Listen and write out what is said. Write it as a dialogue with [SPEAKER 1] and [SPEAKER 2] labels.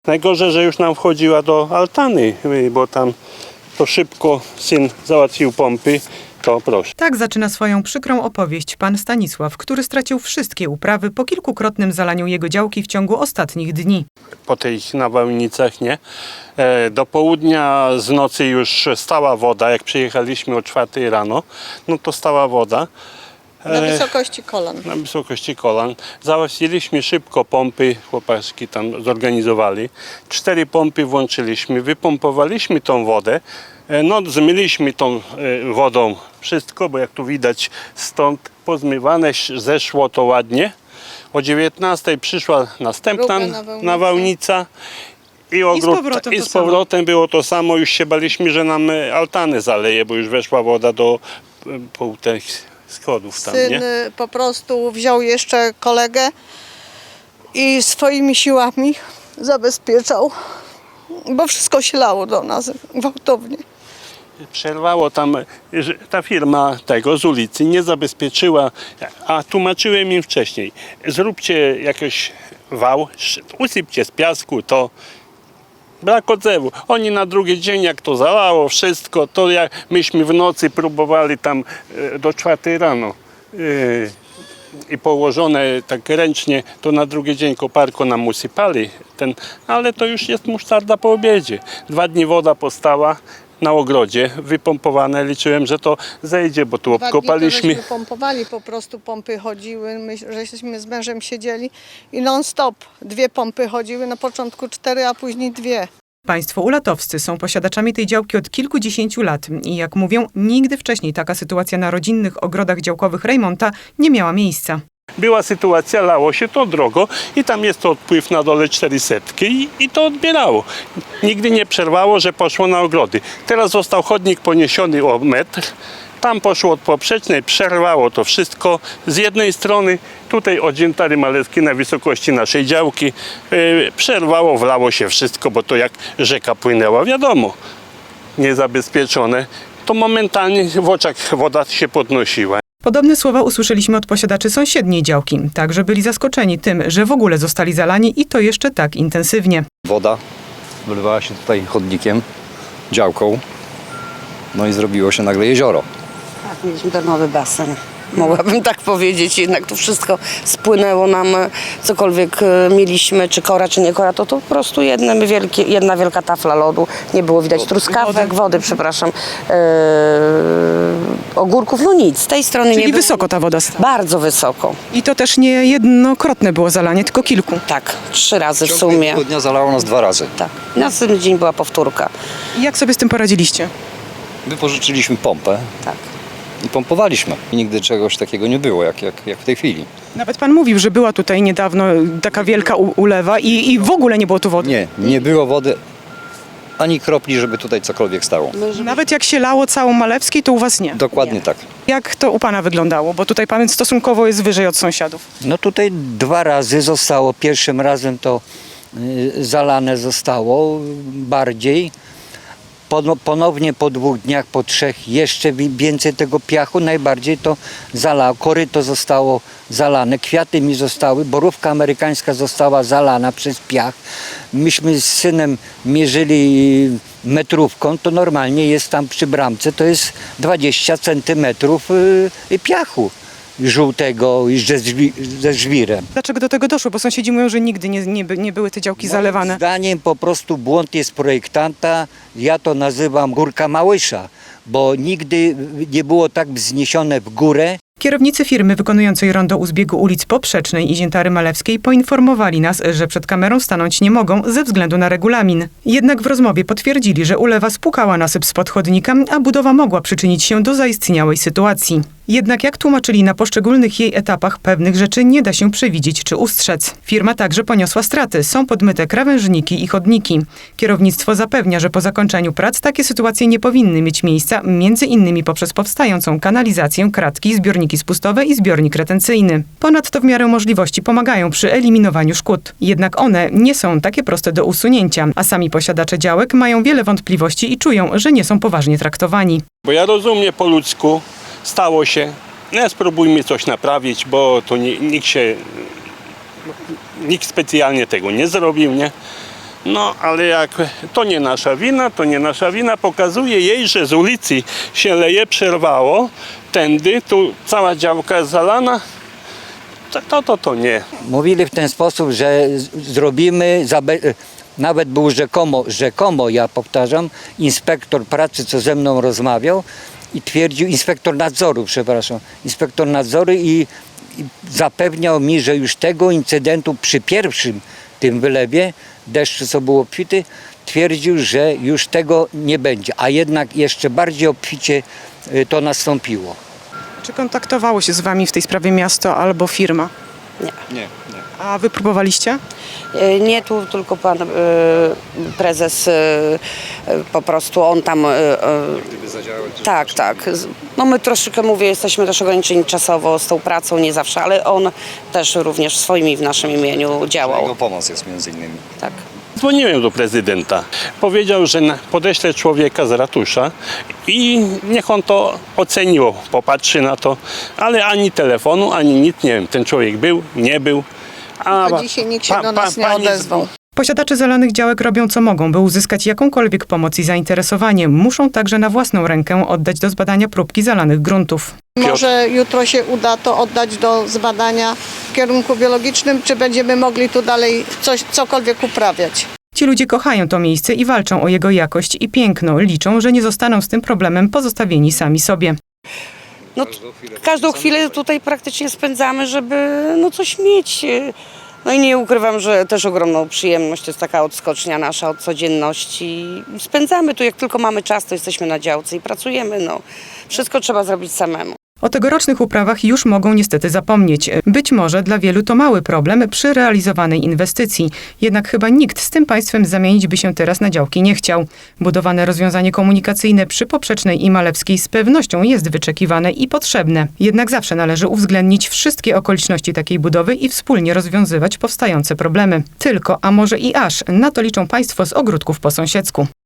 [SPEAKER 1] Najgorzej, że już nam wchodziła do altany, bo tam to szybko syn załatwił pompy, to proszę.
[SPEAKER 2] Tak zaczyna swoją przykrą opowieść pan Stanisław, który stracił wszystkie uprawy po kilkukrotnym zalaniu jego działki w ciągu ostatnich dni.
[SPEAKER 1] Po tych nawałnicach, nie? Do południa z nocy już stała woda, jak przyjechaliśmy o 4 rano, no to stała woda.
[SPEAKER 3] Na wysokości kolan.
[SPEAKER 1] Na wysokości kolan. Załatwiliśmy szybko pompy, chłopaki tam zorganizowali. 4 pompy włączyliśmy, wypompowaliśmy tą wodę. No, zmyliśmy tą wodą wszystko, bo jak tu widać stąd pozmywane, zeszło to ładnie. O 19 przyszła następna nawałnica. I z powrotem było to samo. Już się baliśmy, że nam altany zaleje, bo już weszła woda do pół tych schodów tam,
[SPEAKER 3] Syn
[SPEAKER 1] nie?
[SPEAKER 3] po prostu wziął jeszcze kolegę i swoimi siłami zabezpieczał, bo wszystko się lało do nas gwałtownie.
[SPEAKER 1] Przerwało tam, że ta firma tego z ulicy nie zabezpieczyła, a tłumaczyłem im wcześniej, zróbcie jakiś wał, usypcie z piasku, to brak odzewu. Oni na drugi dzień, jak to zalało wszystko, to jak myśmy w nocy próbowali tam do 4 rano i położone tak ręcznie, to na drugi dzień koparko nam usypali, ale to już jest musztarda po obiedzie. 2 dni woda postała na ogrodzie, wypompowane, liczyłem, że to zejdzie, bo tu obkopaliśmy.
[SPEAKER 3] Pompowali, po prostu pompy chodziły, my żeśmy z mężem siedzieli i non stop 2 pompy chodziły, na początku 4, a później 2.
[SPEAKER 2] Państwo ulatowscy są posiadaczami tej działki od kilkudziesięciu lat i jak mówią, nigdy wcześniej taka sytuacja na rodzinnych ogrodach działkowych Rejmonta nie miała miejsca.
[SPEAKER 1] Była sytuacja, lało się to drogo i tam jest to odpływ na dole 400 i to odbierało. Nigdy nie przerwało, że poszło na ogrody. Teraz został chodnik poniesiony o metr. Tam poszło od poprzecznej, przerwało to wszystko. Z jednej strony tutaj od Dziętary Maleckiej na wysokości naszej działki przerwało, wlało się wszystko, bo to jak rzeka płynęła, wiadomo, niezabezpieczone. To momentalnie w oczach woda się podnosiła.
[SPEAKER 2] Podobne słowa usłyszeliśmy od posiadaczy sąsiedniej działki. Także byli zaskoczeni tym, że w ogóle zostali zalani i to jeszcze tak intensywnie.
[SPEAKER 4] Woda wylewała się tutaj chodnikiem, działką, no i zrobiło się nagle jezioro.
[SPEAKER 5] Tak, mieliśmy darmowy basen. Mogłabym tak powiedzieć, jednak to wszystko spłynęło nam, cokolwiek mieliśmy, czy kora, czy nie kora, to po prostu jedna wielka tafla lodu, nie było widać truskawek, wody, przepraszam, ogórków, no nic, z tej strony nie było.
[SPEAKER 2] Czyli wysoko ta woda stała.
[SPEAKER 5] Bardzo wysoko,
[SPEAKER 2] I to też nie jednokrotne było zalanie, tylko kilku.
[SPEAKER 5] tak, 3 razy w
[SPEAKER 4] W
[SPEAKER 5] sumie.
[SPEAKER 4] ciągu dnia zalało nas 2 razy.
[SPEAKER 5] Tak, następny dzień była powtórka,
[SPEAKER 2] I jak sobie z tym poradziliście?
[SPEAKER 4] Wypożyczyliśmy pompę
[SPEAKER 5] tak.
[SPEAKER 4] i pompowaliśmy. I nigdy czegoś takiego nie było, jak w tej chwili.
[SPEAKER 2] Nawet pan mówił, że była tutaj niedawno taka wielka ulewa i w ogóle nie było tu wody.
[SPEAKER 4] Nie było wody, ani kropli, żeby tutaj cokolwiek stało.
[SPEAKER 2] Nawet jak się lało całą Malewskiej, to u was nie.
[SPEAKER 4] Dokładnie tak.
[SPEAKER 2] Jak to u pana wyglądało? Bo tutaj pan stosunkowo jest wyżej od sąsiadów.
[SPEAKER 6] No tutaj 2 razy zostało. Pierwszym razem to zalane zostało bardziej. Ponownie po 2 dniach, po 3 jeszcze więcej tego piachu. Najbardziej to zalało. Koryto zostało zalane, kwiaty mi zostały, borówka amerykańska została zalana przez piach. Myśmy z synem mierzyli metrówką, to normalnie jest tam przy bramce, to jest 20 centymetrów piachu żółtego ze żwirem.
[SPEAKER 2] Dlaczego do tego doszło? Bo sąsiedzi mówią, że nigdy nie były te działki zalewane.
[SPEAKER 6] Moim zdaniem po prostu błąd jest projektanta. Ja to nazywam górka Małysza, bo nigdy nie było tak wzniesione w górę.
[SPEAKER 2] Kierownicy firmy wykonującej rondo u zbiegu ulic Poprzecznej i Dziętary Malewskiej poinformowali nas, że przed kamerą stanąć nie mogą ze względu na regulamin. Jednak w rozmowie potwierdzili, że ulewa spłukała nasyp spod chodnika, a budowa mogła przyczynić się do zaistniałej sytuacji. Jednak jak tłumaczyli, na poszczególnych jej etapach pewnych rzeczy nie da się przewidzieć czy ustrzec. Firma także poniosła straty. Są podmyte krawężniki i chodniki. Kierownictwo zapewnia, że po zakończeniu prac takie sytuacje nie powinny mieć miejsca, między innymi poprzez powstającą kanalizację, kratki, zbiorniki spustowe i zbiornik retencyjny. Ponadto w miarę możliwości pomagają przy eliminowaniu szkód. Jednak one nie są takie proste do usunięcia, a sami posiadacze działek mają wiele wątpliwości i czują, że nie są poważnie traktowani.
[SPEAKER 1] Bo ja rozumiem po ludzku, stało się, spróbujmy coś naprawić, bo to nikt specjalnie tego nie zrobił, nie? No, ale jak to nie nasza wina, pokazuje jej, że z ulicy się leje, przerwało, tędy, tu cała działka jest zalana, to nie.
[SPEAKER 6] Mówili w ten sposób, że zrobimy, nawet był rzekomo, ja powtarzam, inspektor pracy, co ze mną rozmawiał i twierdził, inspektor nadzoru i zapewniał mi, że już tego incydentu przy pierwszym tym wylewie deszczu, co było obfity, twierdził, że już tego nie będzie, a jednak jeszcze bardziej obficie to nastąpiło.
[SPEAKER 2] Czy kontaktowało się z wami w tej sprawie miasto albo firma?
[SPEAKER 4] Nie.
[SPEAKER 2] A wy próbowaliście?
[SPEAKER 5] Nie tu, tylko pan prezes, po prostu on tam... Tak. No my troszeczkę, mówię, jesteśmy też ograniczeni czasowo z tą pracą, nie zawsze, ale on też również w swoim i w naszym imieniu działał.
[SPEAKER 4] Jego pomoc jest między innymi.
[SPEAKER 5] Tak.
[SPEAKER 1] Dzwoniłem do prezydenta. Powiedział, że podeślę człowieka z ratusza i niech on to oceniło, popatrzy na to, ale ani telefonu, ani nic, nie wiem, ten człowiek był, nie był. A
[SPEAKER 3] Do dzisiaj nikt się do nas nie
[SPEAKER 1] pani
[SPEAKER 3] odezwał.
[SPEAKER 2] Posiadacze zalanych działek robią co mogą, by uzyskać jakąkolwiek pomoc i zainteresowanie. Muszą także na własną rękę oddać do zbadania próbki zalanych gruntów.
[SPEAKER 3] Może jutro się uda to oddać do zbadania w kierunku biologicznym, czy będziemy mogli tu dalej cokolwiek uprawiać.
[SPEAKER 2] Ci ludzie kochają to miejsce i walczą o jego jakość i piękno. Liczą, że nie zostaną z tym problemem pozostawieni sami sobie.
[SPEAKER 5] No, każdą chwilę tutaj praktycznie spędzamy, żeby coś mieć. No i nie ukrywam, że też ogromną przyjemność, to jest taka odskocznia nasza od codzienności. Spędzamy tu, jak tylko mamy czas, to jesteśmy na działce i pracujemy. Wszystko trzeba zrobić samemu.
[SPEAKER 2] O tegorocznych uprawach już mogą niestety zapomnieć. Być może dla wielu to mały problem przy realizowanej inwestycji. Jednak chyba nikt z tym państwem zamienić by się teraz na działki nie chciał. Budowane rozwiązanie komunikacyjne przy Poprzecznej i Malewskiej z pewnością jest wyczekiwane i potrzebne. Jednak zawsze należy uwzględnić wszystkie okoliczności takiej budowy i wspólnie rozwiązywać powstające problemy. Tylko, a może i aż, na to liczą państwo z ogródków po sąsiedzku.